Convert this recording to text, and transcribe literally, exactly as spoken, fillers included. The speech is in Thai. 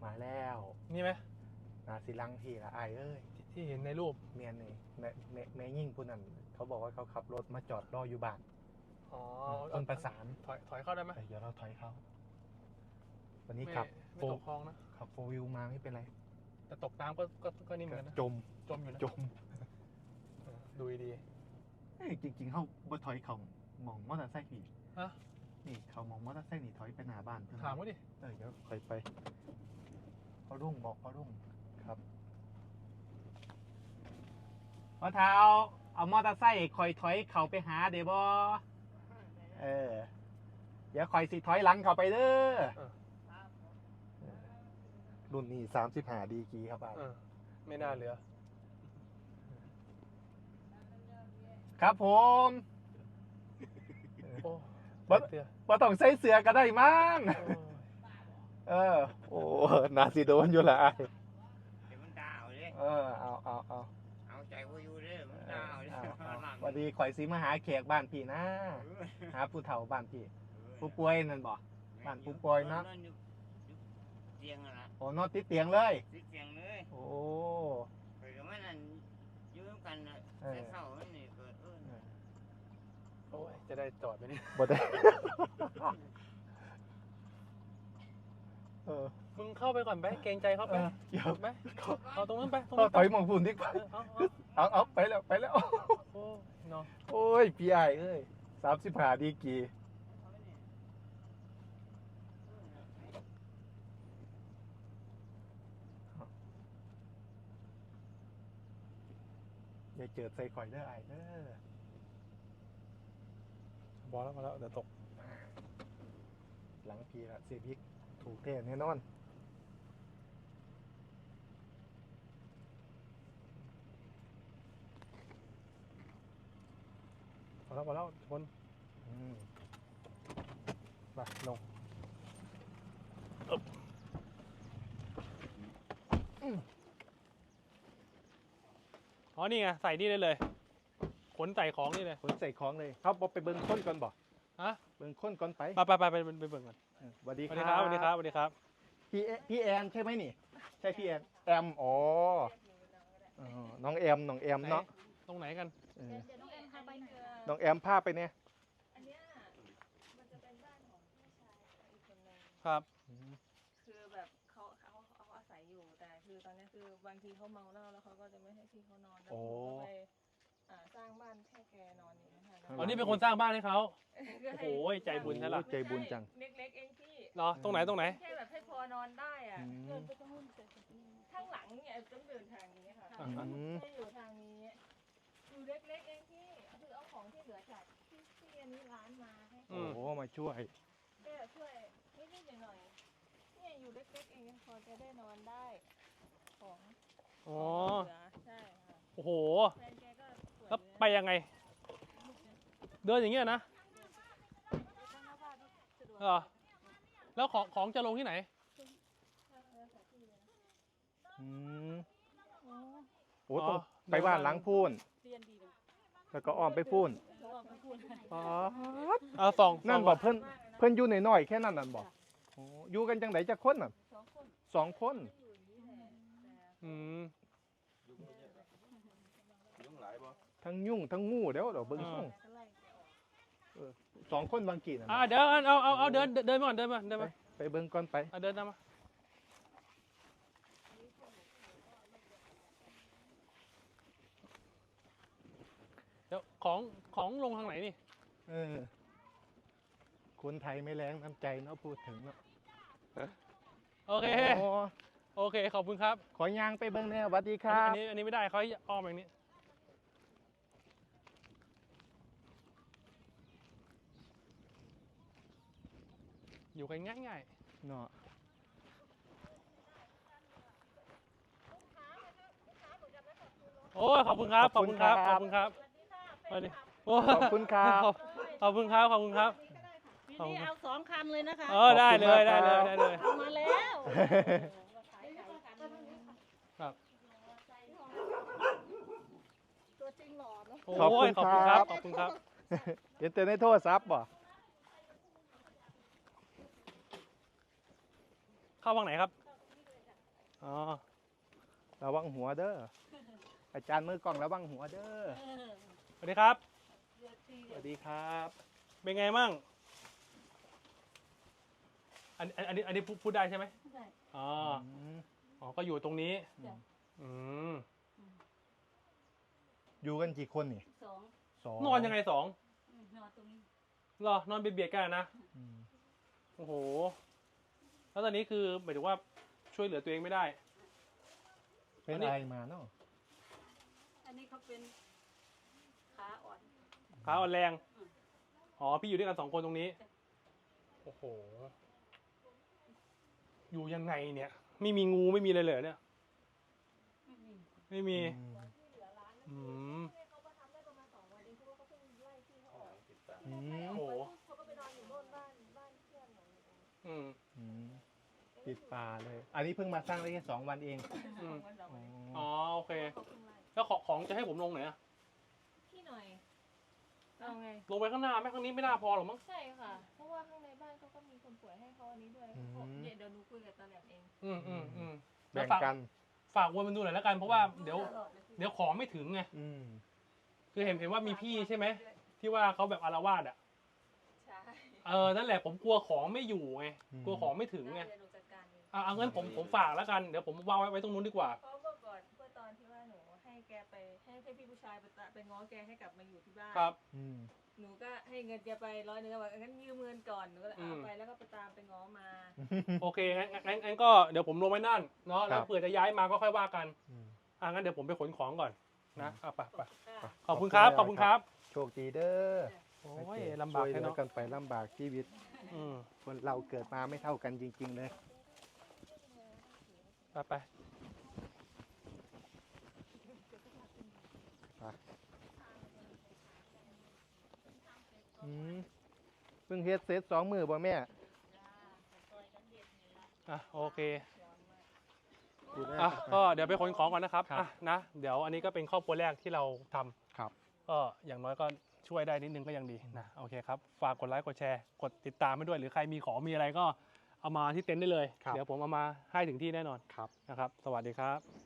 มาแล้วนี่ไหมนาสิลังพี่ละไอเอ้ยที่เห็นในรูปเมียนนี่แม่แม่แม่ยิ่งผู้นั้นเขาบอกว่าเขาขับรถมาจอดรออยู่บ้านอ๋อคนประสานถอยถอยเข้าได้ไหมเดี๋ยวเราถอยเข้าวันนี้ขับโฟตกคลองนะขับโฟวิวมาไม่เป็นไรแต่ตกน้ำก็ก็ก็นี่เหมือนกันนะจมจมอยู่นะจมดูดีจริงๆเขาบ่ถอยเขามองมอเตอร์ไซค์พี่ฮะนี่เขามองมอเตอร์ไซค์นี่ถอยไปหน้าบ้านเพื่อนถามว่าดิเออเดี๋ยวถอยไปพ่อรุ่งบอกพ่อรุ่งครับพ่อเท้าเอามอเตอร์ไซค์คอยถอยเขาไปหาเดี๋ยวบอเออเดี๋ยวคอยสิถอยหลังเขาไปเด้อรุ่นนี้สามสิบห้าดีกีครับอ่ะไม่น่าเหลือครับผมบ่บ่ต้องใส่เสื้อก็ได้มั้งเออโอ้นาสิโดนอยู่ละเดี๋ยวมันดาวเลยเออเอาเอาเอาเอาใจว่าอยู่เลยมันดาวเลยวันดีข่อยสิมาหาแขกบ้านพี่นะหาผู้เฒ่าบ้านพี่ผู้ป่วยนั่นบ่บ้านผู้ป่วยเนาะเตียงอะนะโอ้นอนติดเตียงเลยติดเตียงเลยโอ้เกิดมันนั่นยืมกันแต่เศร้ามันนี่เกิดเออโอ้ยจะได้จอดไหมนี่บ่ได้เออมึงเข้าไปก่อนไปเกรงใจเขาไปเดี๋ยวไปเอาตรงนั้นไปตรงนั้นถอยมองฝุ่นดีกว่าเอาเอาไปแล้วไปแล้วโอ้เนาะโอ้ยพี่ไอ้เอ้ยสามสิบห้าดีกีอย่าเจอใส่ข่อยเด้อไอ้เด้อบอลแล้วมาแล้วเดี๋ยวตกหลังพีละเสียบิ๊กถูกเทแน่นอนมาแล้วมาแล้วชนมาลงอ๋อนี่ไงใส่นี่ได้เลยขนใส่ของนี่เลยขนใส่ของเลยเขาบอกไปเบิ้งค้นก่อนบ่ฮะเบิ้งค้นก่อนไปไปไปไปไปไปเบิ้งก่อนสวัสดีครับสวัสดีครับสวัสดีครับพี่พี่แอนใช่ไหมนี่ใช่พี่แอนแอมอ๋อน้องแอมน้องแอมเนาะตรงไหนกันน้องแอมพาไปเนี่ยครับคือแบบเขาเขาเขาอาศัยอยู่แต่คือตอนนี้คือบางทีเขาเมาเหล้าแล้วเขาก็จะไม่ให้พี่เขานอนแล้วเขาก็ไปสร้างบ้านแค่แกนอนอย่างนี้ค่ะอ๋อนี่เป็นคนสร้างบ้านให้เขาโอ้โหใจบุญใช่หรอใจบุญจังเล็กๆเองพี่เหรอตรงไหนตรงไหนแค่แบบให้พอนอนได้อ่ะเดินไปตรงนู้นข้างหลังเนี่ยต้องเดินทางนี้ค่ะไม่อยู่ทางนี้อยู่เล็กๆเองพี่คือเอาของที่เหลือจากที่ที่อันนี้ร้านมาให้โอ้โหมาช่วยก็ช่วยนิดๆหน่อยๆเนี่ยอยู่เล็กๆเองพอจะได้นอนได้ของอ๋อใช่ค่ะโอ้โหแล้วไปยังไงเดินอย่างเงี้ยนะเหรอแล้วของของจะลงที่ไหนอืมโอ้ต้องไปบ้านล้างพูนแล้วก็อ้อมไปพูนอ๋อเอาสองนั่นบอกเพิ่นเพิ่นอยู่หน่อยๆแค่นั้นนั่นบอกอยู่กันจังไหนจะคนน่ะสองคนอืมทั้งยุ่งทั้งงูเดี๋ยวเดี๋ยวเบิ้งส่งสองคนบางกี่นะอ่าเดี๋ยวเอาเอาเอาเดินเดินมาก่อนเดินมาเดินมาไปเบิ้งก่อนไปเดินตามมาเดี๋ยวของของลงทางไหนนี่เออคนไทยไม่แรงน้ำใจเนาะพูดถึงเนาะโอเคโอเคขอบคุณครับขอยางไปเบิ้งเนี่ยสวัสดีครับอันนี้อันนี้ไม่ได้เขาอ้อมอย่างนี้อยู่กันง่ายๆเนาะโอ้ขอบคุณครับขอบคุณครับขอบคุณครับสวัสดีขอบคุณครับขอบคุณครับขอบคุณครับทีนี้เอาสองคันเลยนะคะเออได้เลยได้เลยได้เลยมาแล้วครับตัวจริงหล่อเนาะขอบคุณครับขอบคุณครับเห็นแต่ในโทรศัพท์บ่เข้าฝั่งไหนครับอ๋อระวังหัวเด้อ อาจารย์มือกล้องระวังหัวเด้อสวัสดีครับสวัสดีครับเป็นไงมั่งอันอันอันนี้อันนี้พูดพูดได้ใช่ไหมได้อ๋อมอ๋อ ก็อยู่ตรงนี้จ้ะอืมอยู่กันกี่คนนี่สองสองนอนยังไงสองอืมนอนตรงนี้เหรอนอนเบียดๆกันนะอืมโอ้โห แล้วตอนนี้คือหมายถึงว่าช่วยเหลือตัวเองไม่ได้เป็นอันนี้อะไรมาเนาะอันนี้เขาเป็นขาอ่อนขาอ่อนแรงอืมอ๋อ พี่อยู่ด้วยกันสองคนตรงนี้จ้ะโอ้โห อยู่ยังไงเนี่ย ไม่มีงูไม่มีอะไรเลยเนี่ยไม่มีไม่มีอืมอืมเขามาทำได้ประมาณสองวันเองเพราะว่าเขาเพิ่งไล่ที่เขาออกอืโอ้มโหเขาก็ไปนอนอยู่โน่นบ้านบ้านเพื่อนของหนูอืมอืมปิดป่าเลย อันนี้เพิ่งมาสร้างได้แค่สองวันเองอืมวันสองอ๋วันออ๋อ โอเคเขาเพิ่งไล่แล้วของของจะให้ผมลงไหนอะที่หน่อยเอาไงลงไปข้างหน้าไหมข้างนี้ไม่น่าพอหรอกมั้งใช่ค่ะ เพราะว่าข้างในบ้านเขาก็มีคนป่วยให้เขาอันนี้ด้วยเขาบอกเนี่ยเดี๋ยวหนูคุยกับตาแหลมเองอืมอืมอืมแบ่งฝากกันฝากวนมันดูหน่อยแล้วกัน เพราะว่าเดี๋ยวตลอเลยเดี๋ยวของไม่ถึงไงอืมคือเห็นเห็นว่ามีพี่ใช่ไหม ที่ว่าเขาแบบอารวาสอ่ะใช่เออ นั่นแหละผมกลัวของไม่อยู่ไงอืมกลัวของไม่ถึงไงได้เดี๋ยวหนูจัดการเองอ่ะเอางั้นผมผมฝากแล้วกัน เดี๋ยวผมวางไว้ไว้ตรงนู้นดีกว่าเพราะเมื่อก่อนเมื่อตอนที่ว่าหนูให้แกไปให้ให้พี่ผู้ชายไปตะไปง้อแกให้กลับมาอยู่ที่บ้านครับอืมหนูก็ให้เงินแกไปร้อยหนึงแล้วบอกงั้นยืมเงินก่อนหนูก็เลยอืเอามไปแล้วก็ไปตามไปง้อมาโอเคงั้นงั้นงั้นงั้นก็เดี๋ยวผมลงไว้นั่นเนาะ แล้วครับเผื่อจะย้ายมาก็ค่อยว่ากันอืมอ่ะงั้นเดี๋ยวผมไปขนของก่อนนะอ่ะไปไปค่ะขอบคุณครับ ขอบคุณครับโชคดีเด้อโอ้ยลำบากช่วยเหแค่ลือเนาะกันไปลำบากชีวิตอืมคนเราเกิดมาไม่เท่ากันจริง ๆ เลยไปไปอืมเพิ่งเฮ็ดเสร็จสองมือบ่แม่อ่ะโอเคดูแลอ่ะกันไปก็เดี๋ยวไปขนของก่อนนะครับครับอ่ะนะ เดี๋ยวอันนี้ก็เป็นครอบครัวแรกที่เราทำครับก็อย่างน้อยก็ช่วยได้นิดนึงก็ยังดีนะโอเคครับ ฝากกดไลค์กดแชร์ กดติดตามให้ด้วย หรือใครมีของมีอะไรก็เอามาที่เต็นท์ได้เลยครับเดี๋ยวผมเอามาให้ถึงที่แน่นอนครับนะครับ สวัสดีครับ